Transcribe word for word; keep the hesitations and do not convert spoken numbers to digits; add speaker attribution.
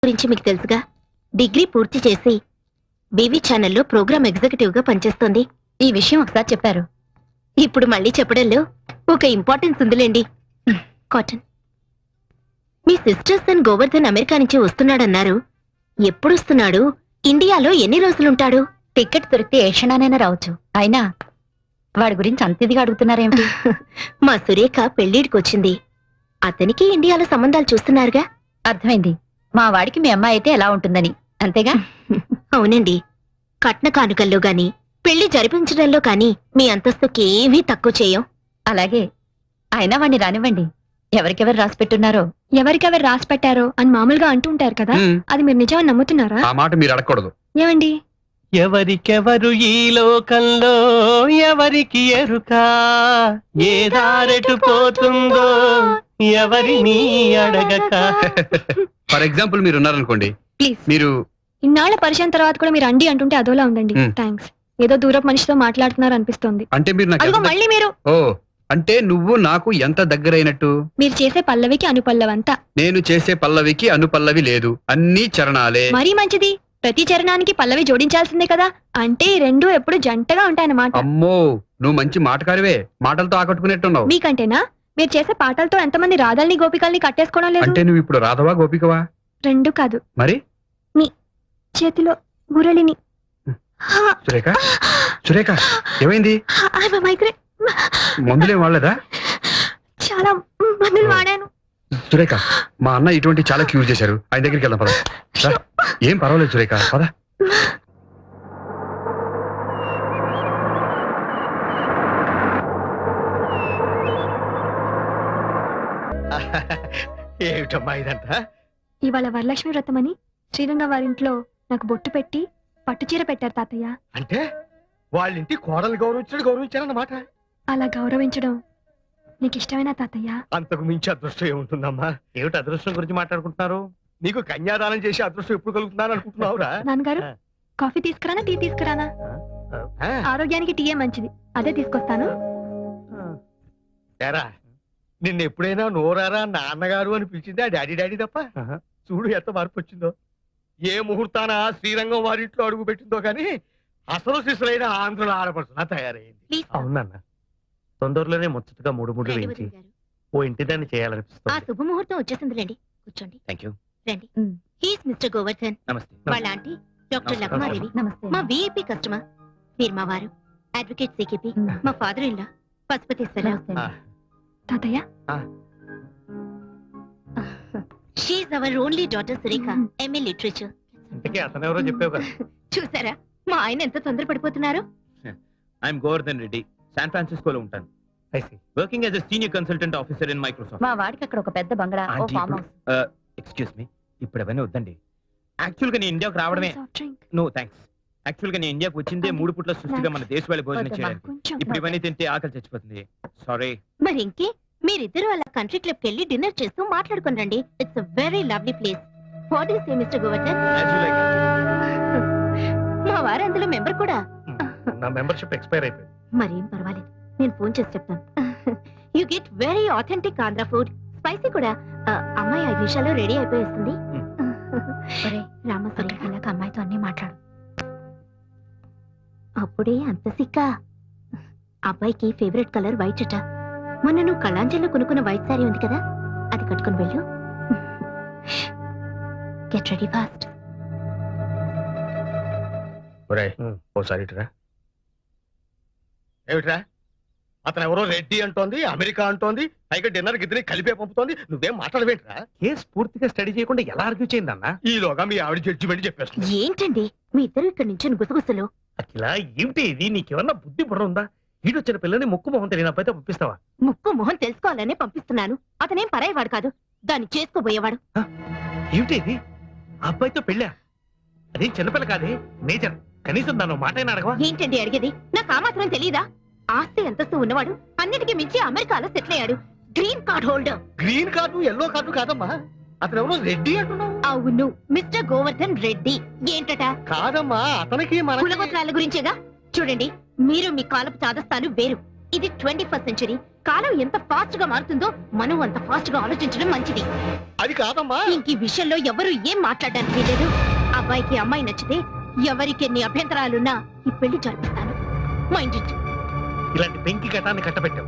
Speaker 1: గురించి మీకు తెలుసుగా. డిగ్రీ పూర్తి చేసి బీవీ ఛానల్లో ప్రోగ్రామ్ ఎగ్జిక్యూటివ్ గా పనిచేస్తోంది. ఈ విషయం ఒకసారి చెప్పారు, ఇప్పుడు మళ్ళీ చెప్పడంలో ఒక ఇంపార్టెన్స్ ఉందిలేండి. కాటన్, మీ సిస్టర్ సన్ గోవర్ధన్ అమెరికా నుంచి వస్తున్నాడన్నారు. ఎప్పుడు వస్తున్నాడు? ఇండియాలో ఎన్ని రోజులుంటాడు? టికెట్ దొరికితే ఏ క్షణానైనా రావచ్చు. అయినా వాడి గురించి అంత ఇదిగా అడుగుతున్నారేమిటి? మా సురేఖ పెళ్లిడికి వచ్చింది. అతనికి ఇండియాలో సంబంధాలు చూస్తున్నారుగా. అర్థమైంది. మా వాడికి మీ అమ్మాయి అయితే ఎలా ఉంటుందని, అంతేగా? అవునండి. కట్న కానుకల్లో గాని పెళ్లి జరిపించడంలో కాని మీ అంతస్తుకి ఏమీ తక్కువ చేయం. అలాగే. అయినా వాణ్ణి రానివ్వండి. ఎవరికెవరు రాసి పెట్టున్నారో
Speaker 2: ఎవరికెవరు రాసి పెట్టారో అని మామూలుగా అంటుంటారు కదా, అది మీరు నిజమని నమ్ముతున్నారా?
Speaker 3: ఆ మాట మీరు అడగకూడదు.
Speaker 2: ఏమండి?
Speaker 4: ఎవరికెవరు ఈ లోకంలో ఎవరికి ఎరుక, ఏ దారెటు పోతుందో ఎవరిని అడగక.
Speaker 3: ఫర్ ఎగ్జాంపుల్ మీరు ఉన్నారనుకోండి,
Speaker 2: ప్లీజ్.
Speaker 3: మీరు
Speaker 2: ఇన్నాళ్ల పరిచయం తర్వాత కూడా మీరు అండి అంటుంటే అదోలా ఉందండి.
Speaker 3: మ్.
Speaker 2: థ్యాంక్స్. ఏదో దూరపు మనిషితో మాట్లాడుతున్నారు అనిపిస్తోంది.
Speaker 3: అంటే మీరు నాకు
Speaker 2: అదిగో
Speaker 3: ఎంత-
Speaker 2: మళ్ళీ మీరు
Speaker 3: ఓ అంటే నువ్వు నాకు ఎంత దగ్గరైనట్టు?
Speaker 2: మీరు చేసే పల్లవికి అనుపల్లవంతా
Speaker 3: నేను చేసే పల్లవికి అనుపల్లవి లేదు, అన్ని చరణాలే.
Speaker 2: మరీ మంచిది. ప్రతి చరణానికి పల్లవి జోడించాల్సిందే కదా. అంటే ఈ రెండు ఎప్పుడు జంటగా ఉంటాయన్నమాట.
Speaker 3: అమ్మో, నువ్వు మంచి మాటకారివే. మాటలతో ఆకట్టుకునేట్టున్నావు.
Speaker 2: మీకంటేనా? మీరు చేసే పాటలతో ఎంతమంది రాధల్ని గోపికల్ని కట్టేసుకోవడం లేదు?
Speaker 3: అంటే నువ్వు ఇప్పుడు రాధవా గోపికవా?
Speaker 2: రెండు కాదు,
Speaker 3: మరి
Speaker 2: చేతిలో మురళిని.
Speaker 3: సురేఖ, సురేఖ ఏమైంది?
Speaker 2: I'm a migrant.
Speaker 3: మందులేం వాడలేదా?
Speaker 2: చాలా మందులు వాడాను.
Speaker 3: సురేఖ, మా అన్న ఇటువంటి చాలా క్యూర్ చేశారు. ఆయన దగ్గరికి వెళ్దాం పద. రా. ఏం పర్వాలేదు సురేఖ, పద.
Speaker 4: ఏమిటమ్మా ఇదంతా?
Speaker 2: ఇవాళ వరలక్ష్మి వ్రతం అని శ్రీరంగ వారింట్లో నాకు బొట్టు పెట్టి పట్టుచీర పెట్టారు తాతయ్య.
Speaker 4: అంటే వాళ్ళింటి కోడలు గౌరవించడు గౌరవించారన్నమాట.
Speaker 2: అలా గౌరవించడం నీకు ఇష్టమేనా తాతయ్య?
Speaker 4: అంతకు మించి అదృష్టం ఏముంటుందమ్మా? ఏమిటి అదృష్టం గురించి మాట్లాడుకుంటున్నారు? నీకు కన్యాదానం చేసి అదృష్టం ఎప్పుడు కలుగుతున్నాను అనుకుంటున్నావురా?
Speaker 2: నాన్నగారు, కాఫీ తీసుకురానా టీ తీసుకురానా? ఆరోగ్యానికి టీయే మంచిది, అదే తీసుకొస్తాను.
Speaker 4: ఏరా, నిన్న ఎప్పుడైనా నోరారా నాన్నగారు అని పిలిచింది ఆ డాడీ డాడీ తప్ప? చూడు ఎంత మార్పు వచ్చిందో. ఏ ముహూర్తాన శ్రీరంగం వారింట్లో అడుగు పెట్టిందో కానీ అసలు శిశులైన ఆంధ్రుల ఆడపడుతున్నా తయారైంది.
Speaker 1: Please sir.
Speaker 4: అవునన్నా, తొందరలోనే ముచ్చటగా మూడు మూడు వేయించి
Speaker 1: రండి గారు.
Speaker 4: ఓ ఇంటి దాన్ని
Speaker 1: ఆ
Speaker 4: చేయాలనిపిస్తుంది.
Speaker 1: శుభముహూర్తం వచ్చేసిందిలేండి. కూర్చోండి.
Speaker 3: Thank you.
Speaker 1: రండి. He's Mister Govardhan.
Speaker 3: నమస్తే.
Speaker 1: వాళ్ళ ఆంటీ డాక్టర్
Speaker 4: నమస్కారం.
Speaker 1: లక్మాదేవి.
Speaker 2: నమస్తే.
Speaker 1: మా విఐపి కస్టమర్. మీరు మా వారు అడ్వకేట్ సికిపి. మా ఫాదర్ ఇన్ లా పశుపతీశ్వరరావు.
Speaker 4: ఆ,
Speaker 2: తాతయ్య,
Speaker 1: she's our only daughter Surekha, MA literature.
Speaker 4: ఇంతకీ అతనెవరో చెప్పావు కదా.
Speaker 1: చూసారా మా ఆయన ఎంత తొందర పడిపోతున్నారు?
Speaker 5: ఐఎమ్ గోవర్ధన్ రెడ్డి, శాన్ ఫ్రాన్సిస్కోలో ఉంటాను.
Speaker 4: I see.
Speaker 5: Working as a senior consultant officer in Microsoft.
Speaker 1: మా వాడికి అక్కడ ఒక పెద్ద బంగ్లా, ఓ
Speaker 5: ఆంటీ,
Speaker 1: ఫామ్
Speaker 5: ఇప్పుడు-
Speaker 1: హౌస్.
Speaker 5: ఎక్స్క్యూజ్ మీ, ఇప్పుడు అవన్నీ వద్దండి. యాక్చువల్ గా నేను ఇండియాకు రావడమే.
Speaker 2: Soft drink.
Speaker 5: No thanks. Actual గా నేను ఇండియాకు వచ్చిందే
Speaker 2: ఆంటీ,
Speaker 5: మూడు పుట్ల సుస్థిగా మన దేశ వాళ్ళ భోజనం
Speaker 1: వద్దమ్మా.
Speaker 5: చేయడానికి.
Speaker 2: కొంచెం.
Speaker 5: ఇప్పుడు ఇవన్నీ తింటే ఆకలి చచ్చిపోతుంది. సారీ.
Speaker 1: మరి ఇంకే మీరిద్దరూ అలా కంట్రీ క్లబ్ కెళ్ళి డిన్నర్ చేస్తూ మాట్లాడుకుని రండి. It's a very lovely place. What is Mister Govardhan? మా వారు అందులో మెంబర్ కూడా.
Speaker 4: నా మెంబర్షిప్ ఎక్స్పైర్ అయిపోయింది.
Speaker 1: మరేం పర్వాలేదు, నేను ఫోన్ చేసి చెప్తాను. You get very authentic Andhra food, spicy కూడా. ఆ, అమ్మాయి ఐదు నిమిషాల్లో రెడీ అయిపోయేస్తుంది. రామసరి ఇలాగ అమ్మాయితో అన్ని మాట్లాడు. అప్పుడే అంత సిక్క. అబ్బాయికి ఫేవరెట్ కలర్ వైట్ అట. మొన్న నువ్వు కళాంజలిలో కొనుక్కున్న వైట్ సారీ ఉంది కదా, అది కట్టుకుని వెళ్ళు. Get ready fast.
Speaker 4: ఓసారి ఇటురా. ఏమిట్రా, అతను ఎవరో రెడ్డి అంటోంది, అమెరికా అంటోంది, పైగా డిన్నర్ గిద్దరి కలిపే పంపుతోంది. నువ్వేం మాట్లాడవేంట్రా? కేసు పూర్తిగా స్టడీ చేయకుండా ఎలా ఆర్గ్యూ చేయిందన్నా? ఈలోగా మీ ఆవిడ జడ్జిమెంట్ చెప్పేస్తుంది.
Speaker 1: ఏంటండి మీ ఇద్దరు ఇక్కడ నుంచి గుసగుసలు?
Speaker 4: అఖిల, ఏమిటి ఇది? నీకేమన్నా బుద్ధి బుర్ర ఉందా? ఈడొచ్చిన పిల్లని ముక్కు మొహం తెలియని అబ్బాయితో పంపిస్తావా?
Speaker 1: ముక్కు మొహం తెలుసుకోవాలనే పంపిస్తున్నాను. అతనేం పరాయవాడు కాదు, దాన్ని చేసుకోబోయేవాడు.
Speaker 4: ఏమిటి ఇది? ఆ అబ్బాయితో పెళ్ళా? అదేం చిన్నపిల్ల కాదే, మేజర్. కనీసం దాని మాట అయినా అడగవా?
Speaker 1: ఏంటండి అడిగేది? నాకు ఆ మాత్రం తెలీదా? ఆస్తి అంతస్తు ఉన్నవాడు, అన్నిటికీ మించి అమెరికాలో సెటిల్ అయ్యాడు. Green card holder.
Speaker 4: Green card yellow card కాదమ్మా, అతను ఎవరో రెడ్డి అంటున్నావు.
Speaker 1: అవును, మిస్టర్ గోవర్ధన్ రెడ్డి. ఏంటట?
Speaker 4: కాదమ్మా, అతనికి మన
Speaker 1: కులగోత్రాల గురించేగా. చూడండి, మీరు మీ కాలపు చాదస్తాలు వేరు. ఇది ట్వంటీ ఫస్ట్ సెంచరీ. కాలం ఎంత ఫాస్ట్ గా మారుతుందో మనం అంత ఫాస్ట్ గా ఆలోచించడం మంచిది.
Speaker 4: అది కాదమ్మా.
Speaker 1: ఇంక ఈ విషయంలో ఎవరు ఏం మాట్లాడడానికి లేదు. అబ్బాయికి అమ్మాయి నచ్చితే ఎవరికి ఎన్ని అభ్యంతరాలున్నా ఈ పెళ్లి జరిపిస్తాను. Mind it.
Speaker 4: ఇలాంటి పెంకి ఘటాన్ని కట్టబెట్టావు.